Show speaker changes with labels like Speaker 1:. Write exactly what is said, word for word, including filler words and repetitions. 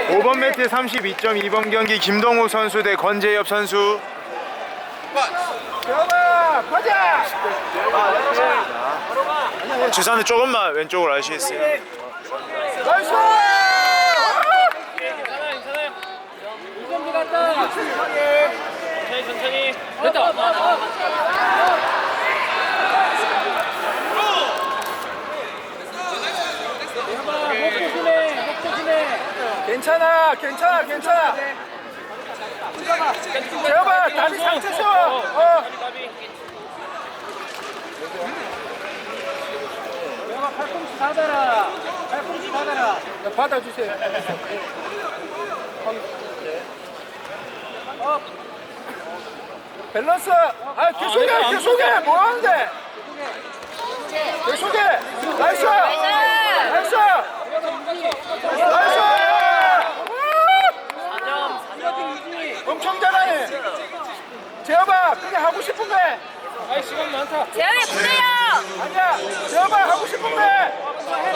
Speaker 1: 오 번 매트 삼십이 점 이 번 경기 김동호 선수 대 권재엽 선수.
Speaker 2: 들어가 가자.
Speaker 1: 주사는 조금만 왼쪽으로 하시겠어요?
Speaker 2: 나이스.
Speaker 3: 괜찮아요, 괜찮아요. 이점비 갔다. 천천히, 천천히. 됐다. 목 조심해, 목 조심해.
Speaker 2: 괜찮아 괜찮아 괜찮아. 재혁아 다리 상체 세워. 어.
Speaker 3: 내가 팔꿈치 받아라. 팔꿈치 받아라.
Speaker 2: 야, 받아주세요. 어. 밸런스. 아 계속해 계속해 뭐 하는데? 계속해. 나이스. 나이스. 나이스. 엄청 잘하네. 재혁아 그냥 하고 싶은 거 해.
Speaker 3: 아이, 시간 많다.
Speaker 4: 재현이 부대요.
Speaker 2: 아니야 재혁아 하고 싶은 거 해.